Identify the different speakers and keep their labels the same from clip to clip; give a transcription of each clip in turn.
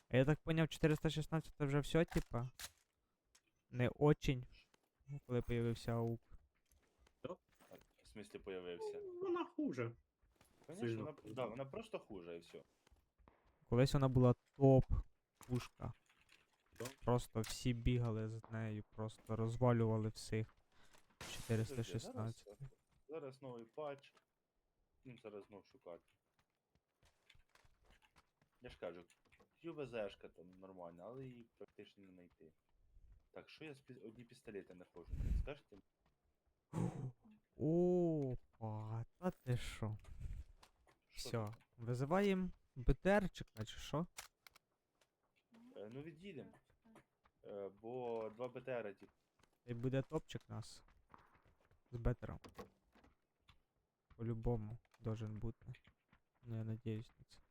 Speaker 1: А я так поняв, 416 це вже все, типа? Не очень, ну, коли появився АУК.
Speaker 2: В смислі появився.
Speaker 3: Вона хуже.
Speaker 2: Конечно,
Speaker 3: Сильно
Speaker 2: вона,
Speaker 3: хуже.
Speaker 2: да, вона просто хуже і все.
Speaker 1: Колись вона була топ пушка.
Speaker 3: Да.
Speaker 1: Просто всі бігали з нею, просто розвалювали всіх.
Speaker 2: Зараз,
Speaker 1: 416.
Speaker 2: зараз новий патч. Їм зараз знов шукати. Я ж кажу, QBZ-шка там нормальна, але її практично не знайти. Так, що я одні пістолети знаходжу? Скажете?
Speaker 1: Опа, та ти що?
Speaker 2: Що
Speaker 1: Все,
Speaker 2: таке?
Speaker 1: визиваємо БТРчика, чи що?
Speaker 2: Ну від'їдемо. Бо 2 БТР, типу.
Speaker 1: Та й буде топчик нас. З бетером. По-любому должен бути. Ну, я надіюсь на це.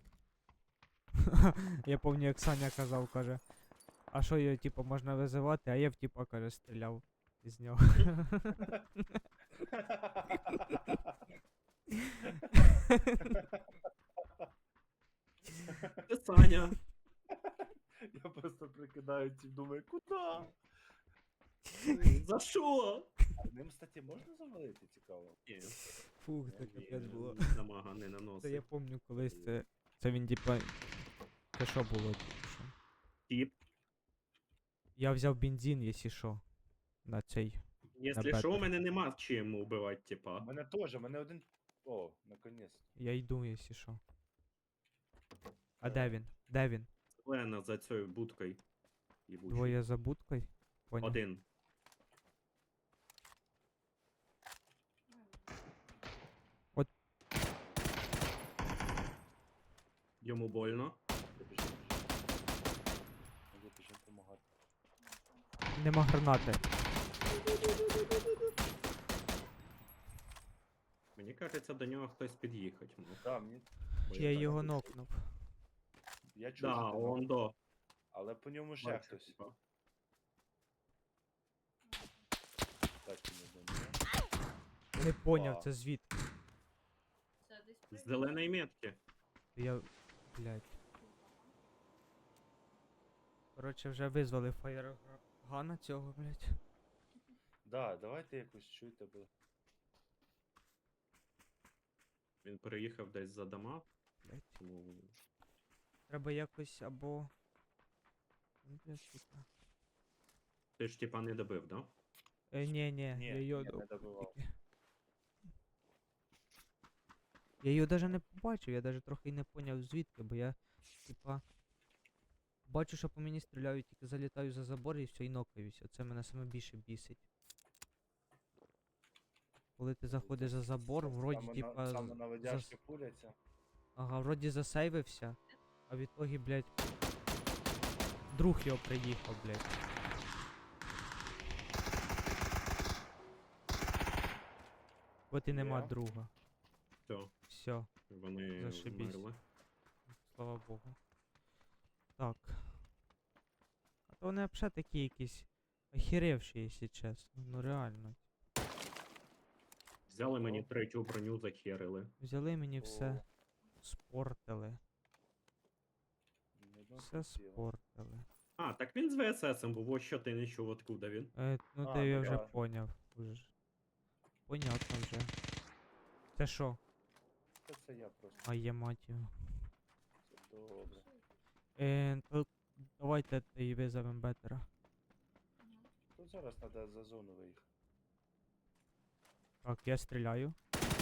Speaker 1: Я пам'ятаю, як Саня казав, каже. А що його, типу, можна визивати, а я в типа, каже, стріляв із нього.
Speaker 3: Це Саня.
Speaker 2: Я просто прикидаю ці, думаю, куди?
Speaker 3: За що?
Speaker 2: Ним, кстати, можна завалити, цікаво?
Speaker 3: Ні,
Speaker 1: Фух, це
Speaker 2: Ні,
Speaker 1: капець було.
Speaker 3: дамага не
Speaker 1: Це я
Speaker 3: наносить.
Speaker 1: пам'ятаю колись це він, типа. Це що було, типу, що?
Speaker 3: Тіп.
Speaker 1: Я взяв бензин, якщо що. На цей.
Speaker 3: Якщо
Speaker 1: бетер.
Speaker 3: що, у мене нема чим убивати,
Speaker 2: У
Speaker 3: типа.
Speaker 2: мене теж, у мене один. О, наконець.
Speaker 1: Я йду, якщо що. А
Speaker 2: Е.
Speaker 1: де він? Де він?
Speaker 3: Лена за цією будкою. Їбучою.
Speaker 1: Двоє за будкою? Поняв.
Speaker 3: Один.
Speaker 1: От.
Speaker 3: Йому больно.
Speaker 2: Біжимо. Біжимо допомагати.
Speaker 1: Нема гранати.
Speaker 3: Мені кажеться, до нього хтось під'їхати мог.
Speaker 2: Да, мені.
Speaker 3: Бо
Speaker 1: Я
Speaker 3: так
Speaker 1: його
Speaker 3: хочу.
Speaker 1: нокнув.
Speaker 2: Я чую,
Speaker 3: Да,
Speaker 2: що ти
Speaker 3: он до.
Speaker 2: але по ньому ще
Speaker 3: Бачу,
Speaker 2: хтось.
Speaker 3: типа.
Speaker 2: Так, не думаю.
Speaker 1: Не поняв,
Speaker 2: Опа.
Speaker 1: це звідки.
Speaker 3: З зеленої метки.
Speaker 1: Я. Блядь. Коротше, вже визвали фаєргана цього, блядь.
Speaker 2: Да, давайте якось чуйте, бо.
Speaker 3: Він переїхав десь за дома.
Speaker 1: Блядь.
Speaker 3: Тому
Speaker 1: Треба якось або. Ну, бля, сука.
Speaker 3: ти ж типа не добив, да?
Speaker 1: Ні,
Speaker 2: Ні,
Speaker 1: я його
Speaker 2: не добивав.
Speaker 1: Я його даже не побачив, я даже трохи й не поняв звідки, бо я, типа, бачу, що по мені стріляють, тільки залітаю за забор і все, і нокаюся. Це мене саме більше бісить. Коли ти заходиш за забор, вроді, типа,
Speaker 2: Саме наводяшки пуляться.
Speaker 1: ага, вроді засейвився, а в ітогі, блядь, друг його приїхав, блядь. От і нема
Speaker 2: Є.
Speaker 1: друга.
Speaker 3: Все,
Speaker 1: Все,
Speaker 3: вони
Speaker 1: Зашибісь.
Speaker 3: вмерли.
Speaker 1: слава Богу. Так. А то вони взагалі такі якісь охеревші, якщо чесно. Ну реально.
Speaker 3: Взяли мені третю броню, захерили.
Speaker 1: Взяли мені все,
Speaker 2: О,
Speaker 1: спортили.
Speaker 2: ні одного
Speaker 1: Все
Speaker 2: спасибо.
Speaker 1: спортили.
Speaker 3: А, так він з ВССом був, ось що ти не чув, откуда він.
Speaker 1: Ну
Speaker 2: А,
Speaker 1: ти я
Speaker 2: ну
Speaker 1: вже
Speaker 2: да.
Speaker 1: поняв. Уже. Понятно вже. Це що?
Speaker 2: Це я просто.
Speaker 1: А є мать його.
Speaker 2: Це добре.
Speaker 1: То давайте і визовем бетера.
Speaker 2: Тут зараз треба за зону виїхати.
Speaker 1: Так, я стріляю.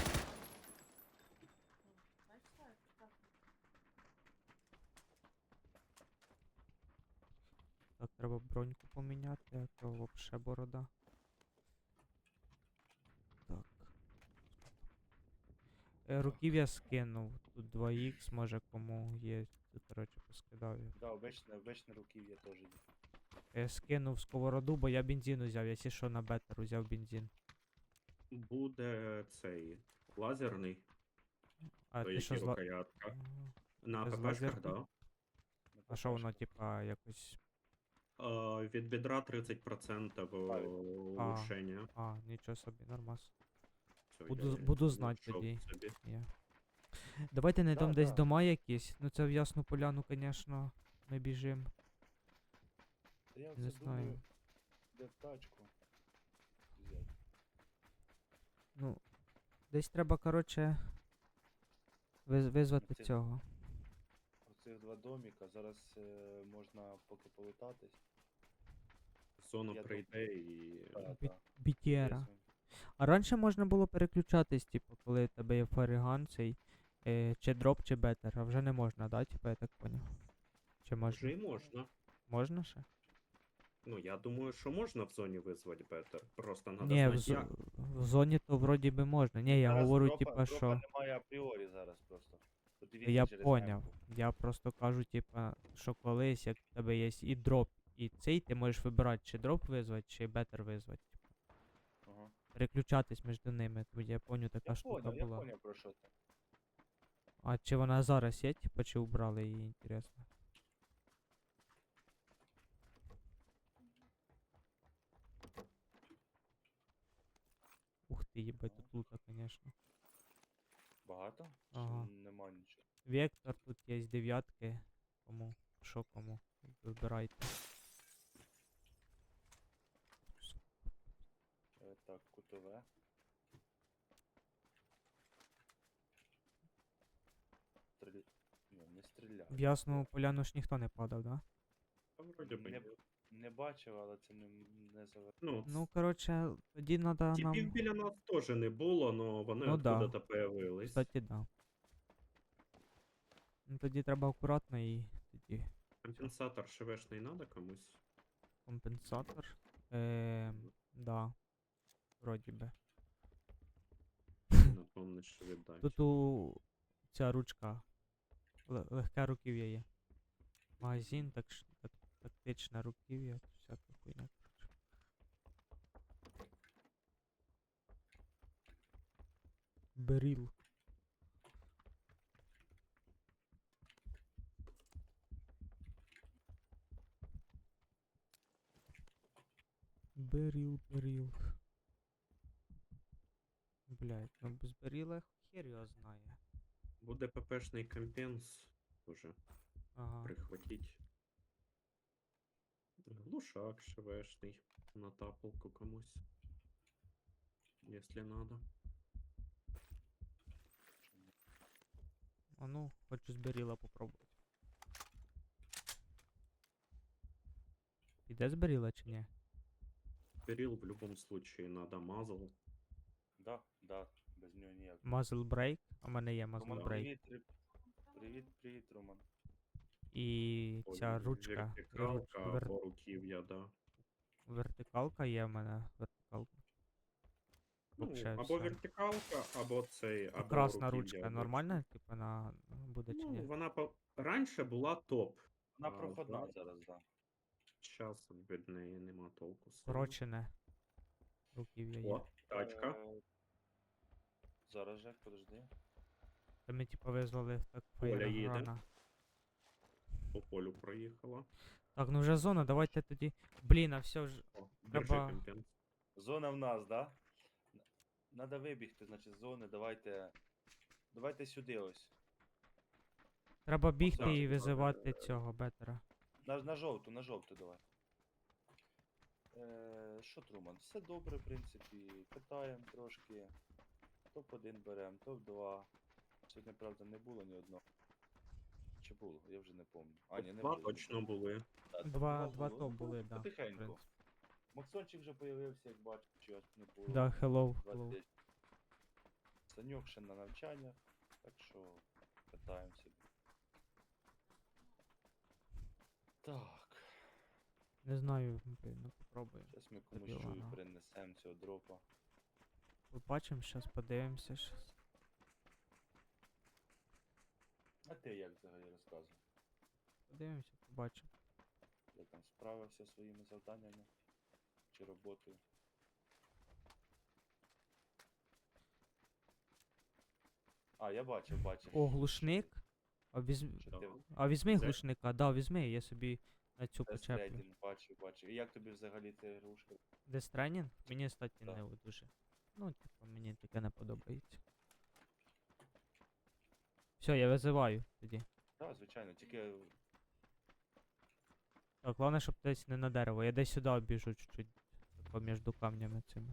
Speaker 1: Так, треба броньку поміняти, а то вообще борода. Так. Руків'я скинув. Тут 2х, може кому є. Тут, коротше, поскидав їх.
Speaker 2: Да, обичне руків'я теж є.
Speaker 1: Скинув сковороду, бо я бензин взяв, якщо що на бетер взяв бензин.
Speaker 3: Буде цей лазерний,
Speaker 1: А
Speaker 3: то
Speaker 1: ти що
Speaker 3: які
Speaker 1: зла...
Speaker 3: рукоятка.
Speaker 1: Ага.
Speaker 3: На
Speaker 1: Ти з
Speaker 3: ППшках,
Speaker 1: лазерки?
Speaker 3: да.
Speaker 1: А що воно, типа, якось.
Speaker 3: Від бедра 30% улучшення.
Speaker 1: Нічого собі, нормас.
Speaker 3: Все,
Speaker 1: Буду знати
Speaker 3: знайшов
Speaker 1: тоді.
Speaker 3: собі.
Speaker 1: Є. Давайте знайдемо десь
Speaker 2: да.
Speaker 1: дома якісь. Ну це в Ясну Поляну, звісно. ми біжимо.
Speaker 2: Та я
Speaker 1: Не
Speaker 2: оце думаю,
Speaker 1: знаю.
Speaker 2: де тачку взяти.
Speaker 1: Ну, десь треба, коротше, визвати
Speaker 2: Це-
Speaker 1: цього.
Speaker 2: Оцих два доміка. Зараз можна поки полутатись.
Speaker 3: Зона
Speaker 2: Я
Speaker 3: прийде і.
Speaker 2: Та,
Speaker 1: Бі-
Speaker 2: та.
Speaker 1: BTR.
Speaker 2: Візьмем.
Speaker 1: А раніше можна було переключатись, типу, коли в тебе є фаріган цей, чи дроп, чи бетер, а вже не можна, да, типу, я так поняв. Чи
Speaker 3: Вже
Speaker 1: можна?
Speaker 3: і можна.
Speaker 1: Можна ще?
Speaker 3: Ну, я думаю, що можна в зоні визвати бетер. Просто треба
Speaker 1: Ні,
Speaker 3: знати як.
Speaker 1: в зоні то вроді би можна. Ні, я
Speaker 2: Зараз
Speaker 1: говорю,
Speaker 2: дропа
Speaker 1: типа, що.
Speaker 2: немає апріорі зараз просто. Подивіться
Speaker 1: Я
Speaker 2: через
Speaker 1: поняв.
Speaker 2: мемку.
Speaker 1: Я просто кажу, типа, що колись, як в тебе є і дроп, і цей, ти можеш вибирати, чи дроп визвати, чи бетер визвати.
Speaker 2: Ага.
Speaker 1: Переключатись між ними. Тоді я поняв, така штука
Speaker 2: Я
Speaker 1: була.
Speaker 2: поняв про що ти.
Speaker 1: А чи вона зараз є, типа, чи убрали її, інтересно? Ух ти, їбать, тут лута, конечно.
Speaker 2: Багато?
Speaker 1: Ага.
Speaker 2: Чи нема нічого?
Speaker 1: Вектор, тут є дев'ятки. Кому? Що кому? Вибирайте.
Speaker 2: Так, кутове. Стріль... Ні, не стріляє.
Speaker 1: В ясному поляну ж ніхто не падав, да?
Speaker 3: Та вроді би
Speaker 2: Не,
Speaker 3: ні.
Speaker 2: не бачив, але це не завер...
Speaker 3: Ну,
Speaker 1: Ну, коротше, тоді треба
Speaker 3: типів
Speaker 1: нам.
Speaker 3: біля нас теж не було, але вони
Speaker 1: Ну да.
Speaker 3: откуда-то появились.
Speaker 1: Кстати, да. Ну тоді треба акуратно і тоді
Speaker 3: Компенсатор ШВшний надо комусь.
Speaker 1: компенсатор. Да. Вроді би.
Speaker 3: Напомниш, що віддай.
Speaker 1: Тут ця ручка. Легке руків'я є. Магазин, тактичне руків'я, всяка хуйня. Коротше. Беріл. Беріл. Блять, ну без беріла хер його знає.
Speaker 3: Буде ППшний компенс уже
Speaker 1: Ага.
Speaker 3: прихватить. Глушак ШВшний на тапалку комусь. Если надо.
Speaker 1: А ну, хочу з беріла попробувати. Піде з беріла чи ні?
Speaker 3: Берил в любом случае надо мазал.
Speaker 2: Да, без нього ніяк.
Speaker 1: Muzzle break, а в мене є muzzle
Speaker 2: Роман,
Speaker 1: break.
Speaker 2: привіт, Роман.
Speaker 1: І ця ручка.
Speaker 3: Вертикалка або руків'я, да.
Speaker 1: Вертикалка є в мене. Вертикалка.
Speaker 3: Ну,
Speaker 1: Вообще
Speaker 3: або
Speaker 1: все.
Speaker 3: вертикалка, або цей, або
Speaker 1: Красна
Speaker 3: руків'я,
Speaker 1: ручка
Speaker 3: або
Speaker 1: нормальна, типу, на буде чи
Speaker 3: Ну,
Speaker 1: ні?
Speaker 3: вона раніше була топ.
Speaker 2: Вона проходна
Speaker 3: да.
Speaker 2: зараз, да.
Speaker 3: Зараз від неї нема толку. сильно.
Speaker 1: Корочене. Руків'я є.
Speaker 3: О, тачка.
Speaker 2: Зараз, Жек, подожди.
Speaker 1: Та ми типу визвали так
Speaker 3: Оля їде.
Speaker 1: фейрграна.
Speaker 3: По полю проїхала.
Speaker 1: Так, ну вже зона, давайте тоді. Блін, а все ж.
Speaker 3: О, держи
Speaker 1: Треба-
Speaker 3: компенс.
Speaker 2: Зона в нас, да? Надо вибігти, значить, з зони, давайте. Давайте сюди ось.
Speaker 1: Треба бігти
Speaker 3: Так,
Speaker 1: і
Speaker 3: так,
Speaker 1: визивати цього бетера.
Speaker 2: На жовту давай. Що, Труман? Все добре, в принципі. Катаємо трошки. Топ-1 беремо, топ-2. Сьогодні, правда, не було ні одного. Чи було? Я вже не пам'ятаю. А, ні, не
Speaker 3: Два
Speaker 2: було.
Speaker 3: точно були.
Speaker 2: Да,
Speaker 1: Два
Speaker 2: було.
Speaker 1: топ були, да. в
Speaker 2: Потихеньку.
Speaker 1: принципі.
Speaker 2: Максончик вже появився, як бачу, чогось не було.
Speaker 1: Да, hello.
Speaker 2: 20. Саньок ще на навчаннях, так що катаємося. Так,
Speaker 1: Не знаю, блін, ну попробуємо.
Speaker 2: зараз ми комусь
Speaker 1: Дебіла,
Speaker 2: чую
Speaker 1: ну.
Speaker 2: перенесемо цього дропа.
Speaker 1: Побачимо, щас подивимося щас.
Speaker 2: А ти як взагалі розказуй?
Speaker 1: Подивимося, побачимо.
Speaker 2: Я там справився зі своїми завданнями чи роботою. А, я бачив.
Speaker 1: О, глушник.
Speaker 2: Що ти
Speaker 1: А візьми
Speaker 3: Це-
Speaker 1: глушника, да, візьми, я собі на цю почеплю.
Speaker 2: Дестрейдінг бачив. І як тобі взагалі ця ігрушка?
Speaker 1: Дестренінг? Мені, кстати,
Speaker 2: Так.
Speaker 1: не дуже. Ну, типу, мені таке не подобається. Все, я визиваю тоді.
Speaker 2: Так, звичайно, тільки
Speaker 1: Так, головне, щоб десь не на дерево. Я десь сюди біжу чуть-чуть. Тако між камнями цими.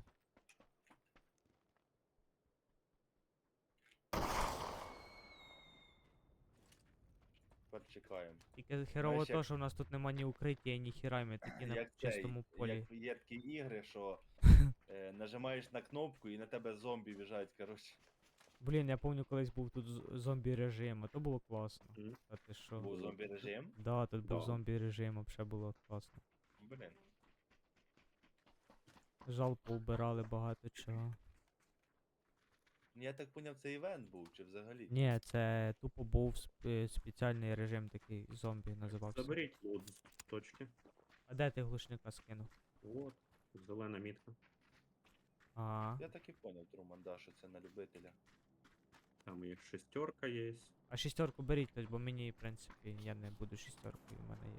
Speaker 2: Тепер чекаємо.
Speaker 1: Тільки херово
Speaker 2: Знаєш,
Speaker 1: то,
Speaker 2: як-
Speaker 1: що в нас тут нема ні укриття, ні хіра, і ми такі на
Speaker 2: Як
Speaker 1: чистому полі.
Speaker 2: як є такі ігри, що нажимаєш на кнопку і на тебе зомбі біжать, коротше.
Speaker 1: Блін, я пам'ятаю, колись був тут зомбі режим, а то було класно.
Speaker 3: Мгм.
Speaker 1: А ти що?
Speaker 2: Був зомбі режим.
Speaker 1: Да, тут був
Speaker 3: Да.
Speaker 1: зомбі режим, взагалі було класно.
Speaker 2: Блін.
Speaker 1: Жал поубирали багато чого.
Speaker 2: Я так поняв, це івент був, чи взагалі?
Speaker 1: Ні, це тупо був спеціальний режим такий зомбі називався.
Speaker 3: Заберіть лут з точки.
Speaker 1: А де ти глушника скинув?
Speaker 3: От, зелена мітка.
Speaker 1: Ага.
Speaker 2: Я так і поняв, Труман, да, що це на любителя.
Speaker 3: Там і шестерка є.
Speaker 1: А шістерку беріть, хтось, бо мені, в принципі, я не буду шістеркою, в мене є.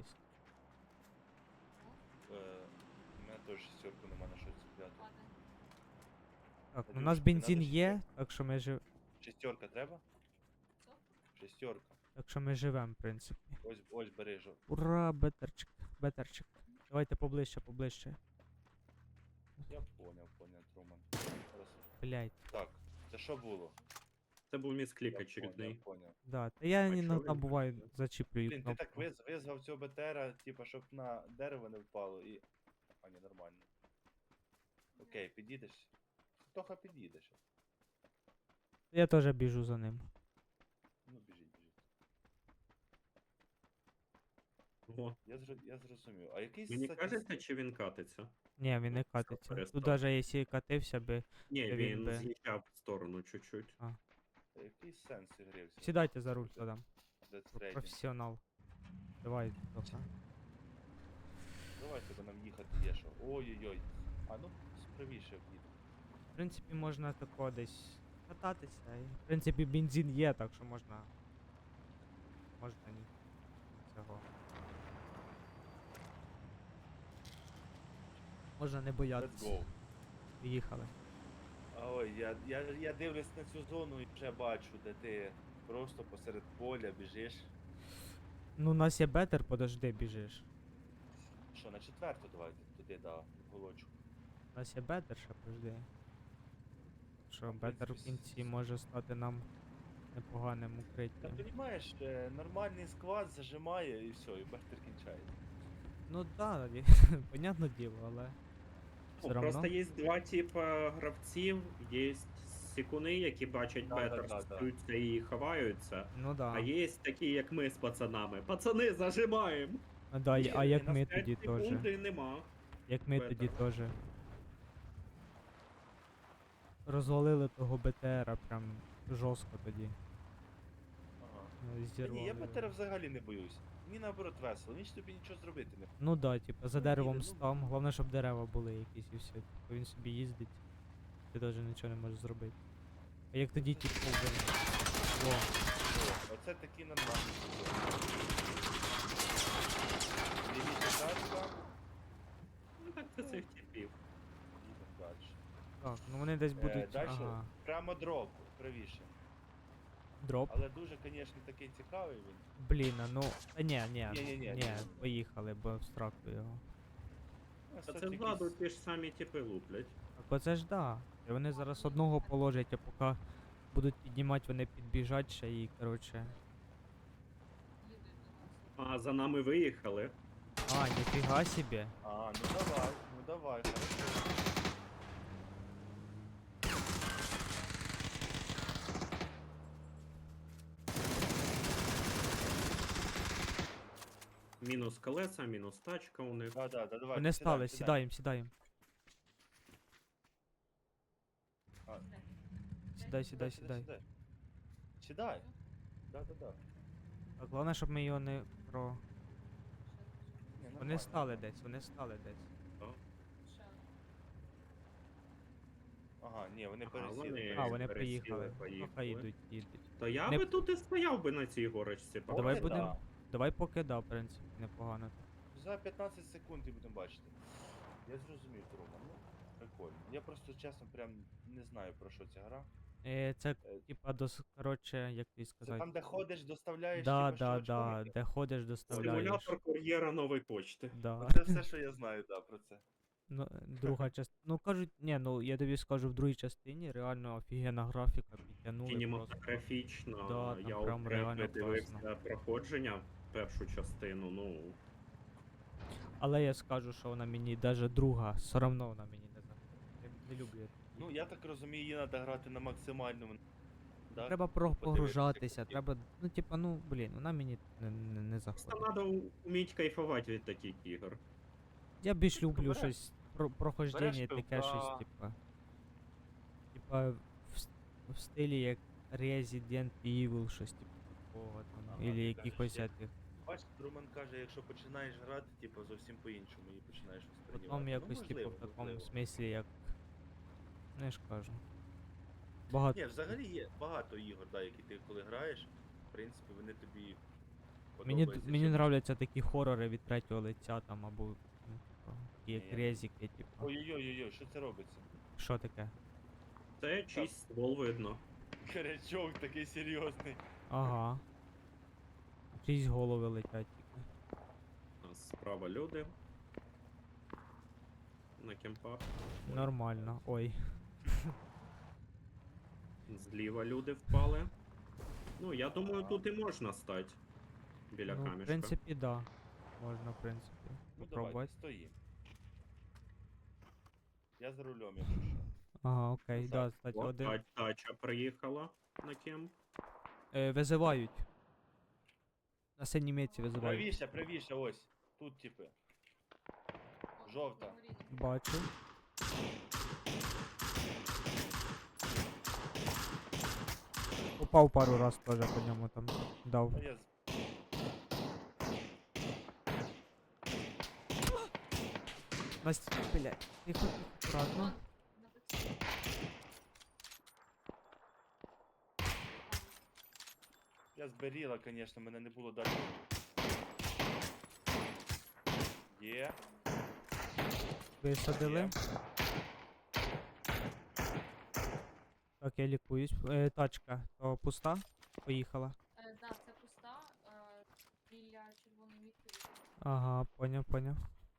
Speaker 2: У мене теж шістерку нема на щось цепляти.
Speaker 1: Так, ну
Speaker 2: Надюш,
Speaker 1: у нас
Speaker 2: тобі
Speaker 1: бензин
Speaker 2: надо
Speaker 1: є, так що ми
Speaker 2: Шістерка треба? Шістерка.
Speaker 1: так що ми живемо, в принципі.
Speaker 2: Ось бери жо.
Speaker 1: Ура, бетерчик, бетерчик. Давайте поближче, поближче.
Speaker 2: Я поняв, Труман. Зараз.
Speaker 1: Блять.
Speaker 2: Так, це що було?
Speaker 3: Це був місклік
Speaker 2: Я
Speaker 3: очередний.
Speaker 2: поняв.
Speaker 1: Да, та я
Speaker 3: А чого
Speaker 1: іноді
Speaker 3: він
Speaker 1: буває
Speaker 3: працює?
Speaker 1: зачіплюю
Speaker 2: Блін, ти так
Speaker 1: кнопку.
Speaker 2: визвав цього БТРа, типа, щоб на дерево не впало і. А, ні, нормально. Окей, підійдеш. Тоха підійдеш.
Speaker 1: Я теж біжу за ним.
Speaker 2: Ну, біжіть.
Speaker 3: О,
Speaker 2: Я зрозумів. А який
Speaker 3: мені кажеться, чи він катиться?
Speaker 1: Ні, він не
Speaker 3: Ну,
Speaker 1: катиться.
Speaker 3: перестав.
Speaker 1: Тут даже якщо катився би.
Speaker 3: Ні,
Speaker 1: Та він
Speaker 3: він
Speaker 1: би-
Speaker 3: з'їжджав в сторону чуть-чуть.
Speaker 2: Який сенс ігри?
Speaker 1: Сідайте за руль тоді.
Speaker 2: Death
Speaker 1: Професіонал. Давай, Тоха.
Speaker 2: Давайте, бо нам їхати є що. Ой-ой-ой. А ну, справіше в'їду.
Speaker 1: В принципі, можна тако десь кататися. І, в принципі, бензин є, так що можна. Можна ні. Цього. Можна не
Speaker 2: Let's
Speaker 1: боятися.
Speaker 2: go.
Speaker 1: Їхали.
Speaker 2: А ой, я дивлюсь на цю зону і вже бачу, де ти просто посеред поля біжиш.
Speaker 1: Ну, у нас є бетер, подожди, біжиш.
Speaker 2: Що, на четверту давайте туди, да, голочку.
Speaker 1: У нас є бетер, ще подожди. Що,
Speaker 2: В
Speaker 1: бетер в
Speaker 2: принципі,
Speaker 1: кінці може стати нам непоганим
Speaker 2: Та
Speaker 1: укриттям.
Speaker 2: розумієш, нормальний склад зажимає і все, і бахтер кінчається.
Speaker 1: Ну да, понятне діло, але.
Speaker 3: Ну,
Speaker 1: Все
Speaker 3: просто
Speaker 1: равно.
Speaker 3: є два типа гравців, є сікуни, які бачать
Speaker 2: Да,
Speaker 3: бетер,
Speaker 2: да.
Speaker 3: стаються і ховаються.
Speaker 1: Ну да.
Speaker 3: А є такі, як ми з пацанами. Пацани, зажимаємо!
Speaker 1: А, да,
Speaker 3: Ні,
Speaker 1: а як
Speaker 3: на
Speaker 1: ми
Speaker 3: 5
Speaker 1: тоді теж.
Speaker 3: секунд і нема.
Speaker 1: Як ми тоді
Speaker 3: Бетера.
Speaker 1: теж. Розвалили того БТРа прям жорстко тоді.
Speaker 2: Ага.
Speaker 1: Зірвали.
Speaker 2: Ні, я
Speaker 1: його.
Speaker 2: бетера взагалі не боюсь. Мені наоборот весело, ніч тобі нічого зробити не.
Speaker 1: Ну да, типа за
Speaker 2: Ну,
Speaker 1: деревом
Speaker 2: їде, ну.
Speaker 1: став. Головне, щоб дерева були якісь і все. Типу він собі їздить. Ти теж нічого не можеш зробити. А як тоді типу О,
Speaker 2: О, оце такі нормальні. Лівіша тачка,
Speaker 3: Ну так це цих типів.
Speaker 2: їдемо далі.
Speaker 1: так, ну вони десь будуть.
Speaker 2: Далі
Speaker 1: Ага.
Speaker 2: прямо дроп, правіше.
Speaker 1: Дроп.
Speaker 2: Але дуже, звісно, такий цікавий він.
Speaker 1: Блін, а ну. Та ні,
Speaker 2: Ні.
Speaker 1: поїхали, бо встракту його.
Speaker 2: Ну,
Speaker 3: А
Speaker 2: все
Speaker 3: це
Speaker 2: таки
Speaker 3: ззаду ті ж самі типи луплять.
Speaker 1: Так оце ж да. І вони зараз одного положать, а поки будуть піднімати, вони підбіжать ще і, коротше.
Speaker 3: А за нами виїхали.
Speaker 1: А, ніфіга собі.
Speaker 2: А, ну давай, хорошо.
Speaker 3: Мінус колеса, мінус тачка у них.
Speaker 2: Да, давай.
Speaker 1: Вони стали, сідаємо.
Speaker 2: А,
Speaker 1: Сідай.
Speaker 2: Сідай. Да.
Speaker 1: Так, головне, щоб ми його не про.
Speaker 2: Ні,
Speaker 1: Вони
Speaker 2: нормально,
Speaker 1: стали
Speaker 2: нормально.
Speaker 1: десь.
Speaker 2: Ага, ні, вони
Speaker 3: Ага,
Speaker 2: пересіли.
Speaker 3: вони-
Speaker 1: А, вони
Speaker 3: пересіли,
Speaker 1: приїхали.
Speaker 3: поїхали.
Speaker 1: Ага, їдуть.
Speaker 3: То я
Speaker 1: Не-
Speaker 3: би тут і стояв би на цій горочці.
Speaker 2: Поки
Speaker 1: Давай
Speaker 2: да.
Speaker 1: будемо. Давай поки да, в принципі, непогано.
Speaker 2: За 15 секунд і будемо бачити. Я зрозумів, Труман, ну, прикольно. Я просто чесно прям не знаю про що ця гра.
Speaker 1: Це,
Speaker 2: Е,
Speaker 1: типа, коротше, як тобі
Speaker 2: Це
Speaker 1: сказати.
Speaker 2: там, де ходиш, доставляєш,
Speaker 1: Да,
Speaker 2: типу,
Speaker 1: да,
Speaker 2: що
Speaker 1: да,
Speaker 2: очковики?
Speaker 1: де ходиш, доставляєш.
Speaker 3: Симулятор кур'єра нової почти.
Speaker 1: Да.
Speaker 2: Оце все, що я знаю, да, про це.
Speaker 1: Ну, друга частина. Ну кажуть, ні, ну я тобі скажу, в другій частині реально офігенна графіка підтягнули просто.
Speaker 3: Кінематографічно,
Speaker 1: Да, там
Speaker 3: я
Speaker 1: прям
Speaker 3: окремо
Speaker 1: реально
Speaker 3: дивився
Speaker 1: класно.
Speaker 3: проходження першу частину, ну.
Speaker 1: Але я скажу, що вона мені, даже друга, все одно вона мені не заходить. Я не люблю я такі.
Speaker 2: Ну, я так розумію, її треба грати на максимальному. Да?
Speaker 1: Треба
Speaker 2: Ну, подивитися,
Speaker 1: погружатися,
Speaker 2: як
Speaker 1: треба, ну типа, ну блін, вона мені не
Speaker 3: Просто
Speaker 1: заходить.
Speaker 3: треба вміти кайфувати від таких ігор.
Speaker 1: Я більш люблю
Speaker 2: береш-
Speaker 1: щось прохождення, таке
Speaker 2: пивка.
Speaker 1: щось, типа в стилі як Resident Evil, щось типу такого там,
Speaker 2: Ага,
Speaker 1: ілі
Speaker 2: ти
Speaker 1: якихось
Speaker 2: кажеш,
Speaker 1: цих.
Speaker 2: Бачиш, Друман каже, якщо починаєш грати, типу, зовсім по-іншому її починаєш восприймати.
Speaker 1: Потім
Speaker 2: Ну,
Speaker 1: якось, типу,
Speaker 2: можливо,
Speaker 1: в такому
Speaker 2: можливо.
Speaker 1: смислі, як. Ну я ж кажу. Багато.
Speaker 2: Ні, взагалі є багато ігор, да, які ти коли граєш, в принципі, вони тобі
Speaker 1: Мені,
Speaker 2: подобаються.
Speaker 1: мені
Speaker 2: чим-
Speaker 1: нравляться такі хорори від третього лиця там, або ну, типу, такі як
Speaker 2: Ні.
Speaker 1: резики, типу.
Speaker 2: Ой-ой-ой, що це робиться?
Speaker 1: Що таке?
Speaker 3: Це чийсь ствол видно.
Speaker 2: Корячок такий серйозний.
Speaker 1: Ага. Чиїсь голови летять тільки.
Speaker 3: У нас справа люди. На кемпах.
Speaker 1: Нормально. Ой.
Speaker 3: Зліва люди впали. Ну, я думаю, тут і можна стати. Біля
Speaker 1: Ну, в
Speaker 3: камішка.
Speaker 1: принципі, да. Можна, в принципі.
Speaker 2: Ну давайте,
Speaker 1: Попробувати.
Speaker 2: стоїм. Я за рулем, якщо що.
Speaker 1: Ага, окей,
Speaker 2: Ну,
Speaker 1: да,
Speaker 2: так.
Speaker 1: кстати,
Speaker 3: О,
Speaker 1: один.
Speaker 3: тача приїхала на кемп.
Speaker 1: Визивають. На синій мітці визивають.
Speaker 2: Правіше, правіше, ось. Тут, типи. Жовта.
Speaker 1: Бачу. Упав пару раз теж по ньому там дав.
Speaker 2: А я
Speaker 1: Настя, блядь, тихо, тихо, аккуратно.
Speaker 2: Я зберіла, звісно, мене не було далі. Є.
Speaker 1: Висадили.
Speaker 2: Є.
Speaker 1: Так, я лікуюсь. Тачка то пуста. Поїхала.
Speaker 4: Да, це пуста, біля червоної мітки.
Speaker 1: Ага, поняв.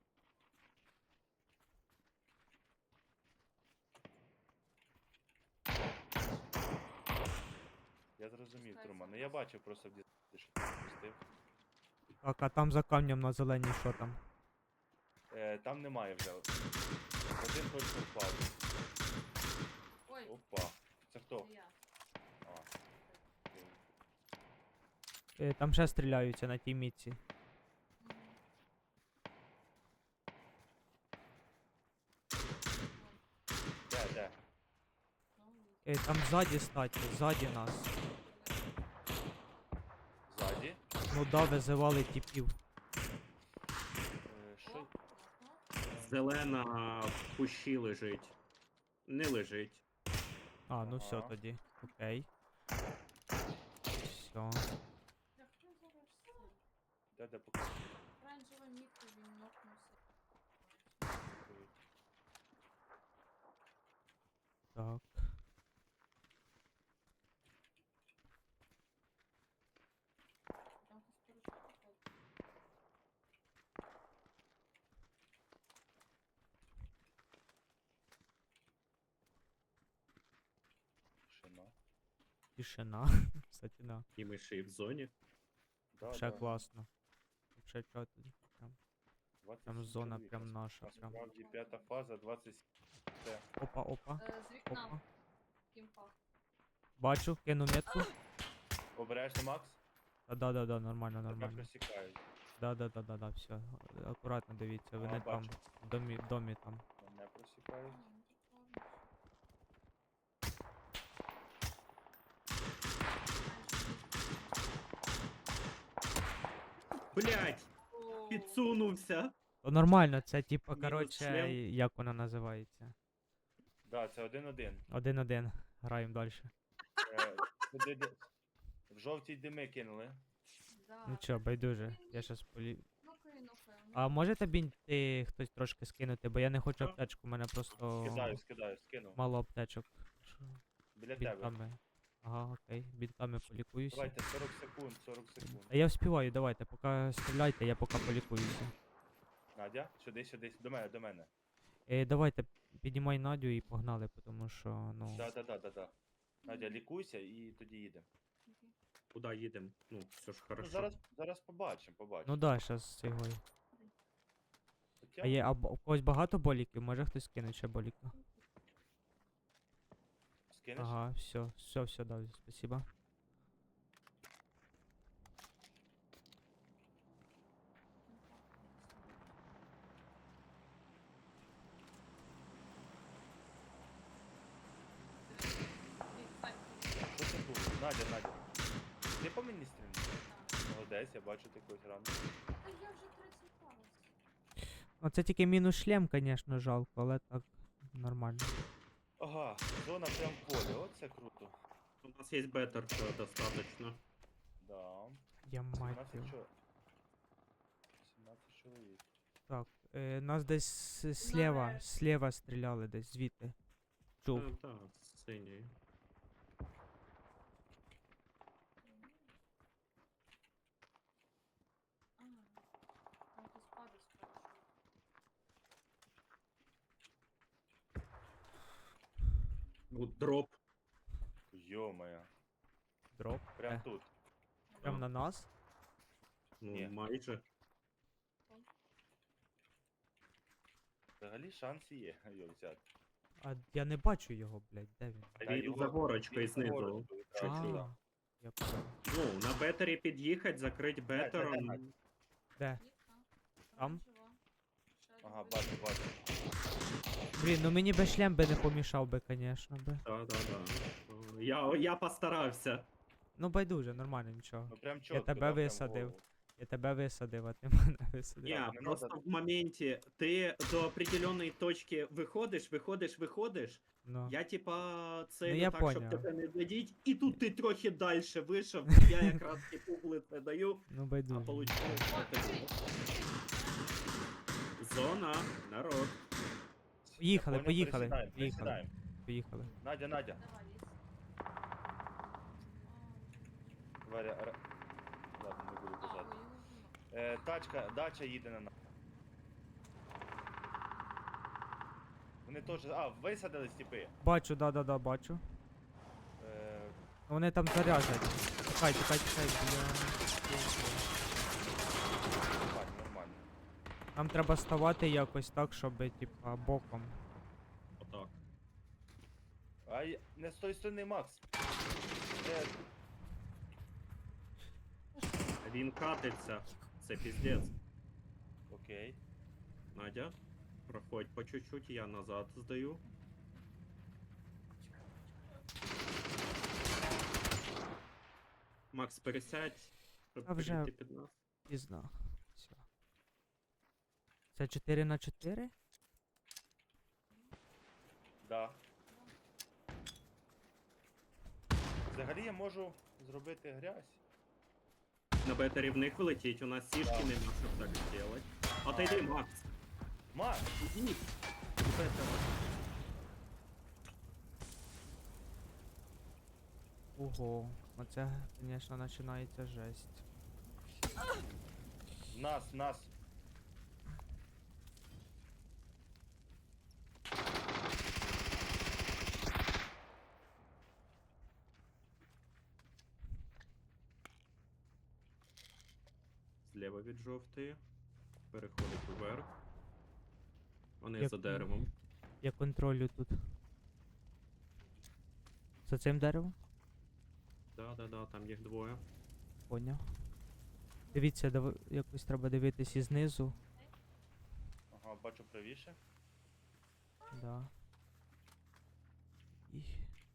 Speaker 2: Я зрозумів, Труман. Ну я бачив просто в дітей, що ти запустив.
Speaker 1: Так, а там за камнем на зеленій що там?
Speaker 2: Там немає вже. Один точно впав.
Speaker 4: Ой,
Speaker 2: Опа. Це хто?
Speaker 4: це я.
Speaker 2: А.
Speaker 1: Там ще стріляються на тій мітці.
Speaker 4: Мгм.
Speaker 2: Де?
Speaker 4: Ну,
Speaker 1: Там ззаді статі, ззаді нас.
Speaker 2: Ззаді.
Speaker 1: Ну да, визивали типів.
Speaker 2: Що?
Speaker 4: ага.
Speaker 3: Зелена в кущі лежить. Не лежить.
Speaker 1: А, ну все
Speaker 2: Ага.
Speaker 1: тоді. Окей. Все.
Speaker 4: Я хто зараз все?
Speaker 2: Де поки?
Speaker 4: Оранжева мітка, він нокнувся.
Speaker 1: Так.
Speaker 4: Там хтось поруч походить.
Speaker 2: Тишина.
Speaker 1: Тишина. Кстати, да.
Speaker 3: І ми ще й в зоні.
Speaker 2: Да,
Speaker 1: Ще
Speaker 2: да.
Speaker 1: класно. Ще чого тоді. Прям
Speaker 2: 27
Speaker 1: зона
Speaker 2: чоловік.
Speaker 1: прям наша, прям.
Speaker 2: Насправді п'ята фаза, 27. Це.
Speaker 1: Опа.
Speaker 4: З вікна
Speaker 1: Опа.
Speaker 4: в кімпах.
Speaker 1: Бачу, кину метку.
Speaker 2: Обережно, Макс.
Speaker 1: Да, нормально,
Speaker 2: Тебе
Speaker 1: нормально.
Speaker 2: просікають.
Speaker 1: Да, все. Акуратно дивіться, вони
Speaker 2: Ага,
Speaker 1: там
Speaker 2: бачу.
Speaker 1: в домі там.
Speaker 2: Мене просікають.
Speaker 4: Ну, прикольно.
Speaker 3: Блять!
Speaker 4: О,
Speaker 3: Підсунувся!
Speaker 1: То нормально, це типа,
Speaker 3: Мінус
Speaker 1: коротше,
Speaker 3: шлем.
Speaker 1: як вона називається?
Speaker 2: Да, це 1-1.
Speaker 1: 1-1. Граємо далі.
Speaker 2: В жовтій дими кинули.
Speaker 4: да.
Speaker 1: Нічого, байдуже. Я щас
Speaker 4: Нокаю.
Speaker 1: А можете бінти хтось трошки скинути, бо я не хочу
Speaker 3: Що?
Speaker 1: аптечку, у мене просто
Speaker 2: Скидаю, скинув.
Speaker 1: мало аптечок. Що?
Speaker 2: Біля тебе.
Speaker 1: Бінтами. Ага, окей. Бінтами полікуюся.
Speaker 2: Давайте 40 секунд, 40 секунд.
Speaker 1: А я вспіваю, давайте, поки стріляйте, я поки полікуюся.
Speaker 2: Надя, сюди, до мене, до мене.
Speaker 1: Давайте, піднімай Надю і погнали, тому що, ну.
Speaker 2: Да. Надя, лікуйся і тоді їдемо.
Speaker 4: Окей.
Speaker 3: Куди їдемо? Ну, все ж
Speaker 2: Ну,
Speaker 3: хорошо.
Speaker 2: зараз побачимо.
Speaker 1: Ну да, щас цього.
Speaker 2: Хоча,
Speaker 1: А є, у когось багато боліків? Може хтось кине ще боліка?
Speaker 2: скинеш?
Speaker 1: Ага, все, дав, спасибо.
Speaker 2: Що це було? Надя. Ти по мені стрільнув? Молодець, я бачу ти когось рано.
Speaker 4: Та я вже 30 палець.
Speaker 1: Ну це тільки мінус шлем, звісно, жалко, але так нормально.
Speaker 2: Ага, зона прям в полі, оце круто.
Speaker 3: У нас є бетер достаточно.
Speaker 2: Да.
Speaker 1: Я мать
Speaker 2: 17
Speaker 1: його.
Speaker 2: 17 чоловік.
Speaker 1: Так, нас десь слева стріляли десь звідти. Чув.
Speaker 3: Так, синій.
Speaker 4: Ага. Там хтось падає спершу.
Speaker 3: Дроп.
Speaker 2: Йо-моє.
Speaker 1: Дроп.
Speaker 2: Прям тут.
Speaker 1: Прям на нас.
Speaker 3: Ну,
Speaker 2: Ні.
Speaker 3: майже.
Speaker 2: Взагалі шанс є його взяти.
Speaker 1: А я не бачу його, блядь, де він?
Speaker 3: А
Speaker 2: Та
Speaker 3: він
Speaker 2: його-
Speaker 3: за горочкою
Speaker 2: він за
Speaker 3: знизу.
Speaker 2: горочкою, так,
Speaker 3: Чуть-чуть.
Speaker 2: сюди.
Speaker 1: Я понял.
Speaker 3: Ну, на бетері під'їхати, закрити бетером.
Speaker 2: Надь.
Speaker 1: Де?
Speaker 4: Ніка.
Speaker 1: Там?
Speaker 4: Жива. Ще
Speaker 2: Ага,
Speaker 4: один
Speaker 2: бачу.
Speaker 1: Блін, ну мені би шлем би не помішав би, звісно би.
Speaker 3: Да. Я постарався.
Speaker 1: Ну байдуже, нормально, нічого.
Speaker 2: Ну прям чітко.
Speaker 1: тебе
Speaker 2: да, прям в
Speaker 1: висадив.
Speaker 2: голову.
Speaker 1: Я тебе висадив, а ти мене висадив.
Speaker 3: Ні,
Speaker 2: не
Speaker 3: просто
Speaker 2: надо.
Speaker 3: в моменті ти до определеної точки виходиш.
Speaker 1: Ну.
Speaker 3: Я типа це
Speaker 1: Ну, я
Speaker 3: так, щоб
Speaker 1: поняв.
Speaker 3: тебе не задіть, і тут ти трохи далі вийшов, я якраз типу углице даю,
Speaker 1: Ну
Speaker 3: а
Speaker 1: байдуже.
Speaker 3: получилось таке. Зона, народ.
Speaker 1: Поїхали,
Speaker 2: Я понял,
Speaker 1: поїхали,
Speaker 2: пересідаємо,
Speaker 1: поїхали.
Speaker 2: пересідаємо.
Speaker 1: Поїхали.
Speaker 2: Надя.
Speaker 4: Давай, лізь.
Speaker 2: Ладно, не буду
Speaker 4: А,
Speaker 2: казати.
Speaker 4: ви його вбили.
Speaker 2: Дача їде на нас. Вони теж. А, висадились типи.
Speaker 1: Бачу, да, бачу. Вони там заряжать. Тікай, бля.
Speaker 2: Нормально.
Speaker 1: Нам треба ставати якось так, щоб, типа, боком.
Speaker 3: Отак.
Speaker 2: Ай, не з тої сторони, Макс.
Speaker 3: Він катиться. Це піздець.
Speaker 2: Окей.
Speaker 3: Надя, проходь по чуть-чуть, я назад здаю. Макс, пересядь, щоб
Speaker 1: А вже-
Speaker 3: перейти під нас.
Speaker 1: Пізно. Все. Це 4 на 4?
Speaker 2: Да. Взагалі я можу зробити грязь.
Speaker 3: На бетері в них влетіть, у нас сішки
Speaker 2: Да.
Speaker 3: нема, щоб так зробити. Отойди, Макс.
Speaker 2: Макс!
Speaker 3: Ідіть. Бетер.
Speaker 1: Ого. Оце, звісно, починається жесть.
Speaker 2: Нас.
Speaker 3: Зліва від жовтої. Переходить вверх. Вони
Speaker 1: Як-
Speaker 3: за деревом.
Speaker 1: Я контролю тут. За цим деревом?
Speaker 3: Да, там їх двоє.
Speaker 1: Поняв. Дивіться, якось треба дивитись і знизу.
Speaker 2: Ага, бачу правіше.
Speaker 1: Да. І...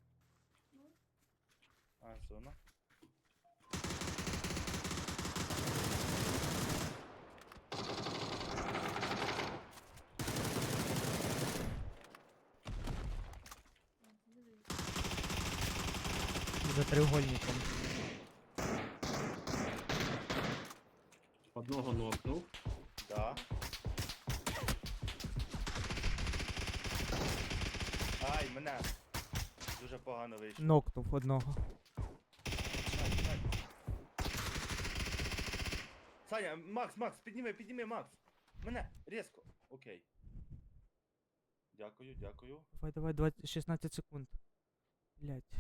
Speaker 2: А, зона.
Speaker 4: Дивись.
Speaker 1: За треугольником.
Speaker 3: Одного нокнув.
Speaker 2: Да. Ай, мене. Дуже дуже погано вийшло.
Speaker 1: Нокнув одного.
Speaker 2: Сань, Сань. Саня, Макс, підніми, Макс. Мене, різко. Окей. Дякую.
Speaker 1: Давай, 16 секунд. Блять.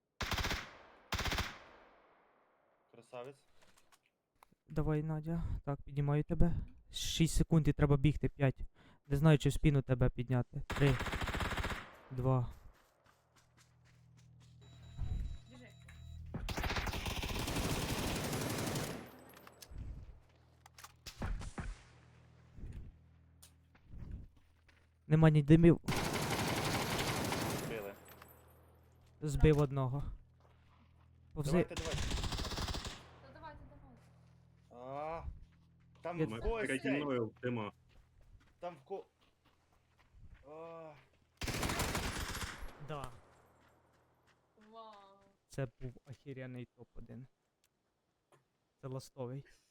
Speaker 2: Красавець.
Speaker 1: Давай, Надя. Так, піднімаю тебе. 6 секунд і треба бігти. 5. Не знаю, чи в спину тебе підняти. 3. 2.
Speaker 4: Біжи.
Speaker 1: Нема ні димів.
Speaker 2: Били.
Speaker 1: Збив одного. Повзи.
Speaker 2: Давайте.
Speaker 4: Та давайте.
Speaker 2: А, там
Speaker 1: Я-
Speaker 2: в
Speaker 3: Ми
Speaker 2: когось
Speaker 3: переді
Speaker 2: цей.
Speaker 3: мною в дима.
Speaker 2: Там в ко... А,
Speaker 1: Да.
Speaker 4: Вау.
Speaker 1: Це був охеренний топ-1. Це ластовий.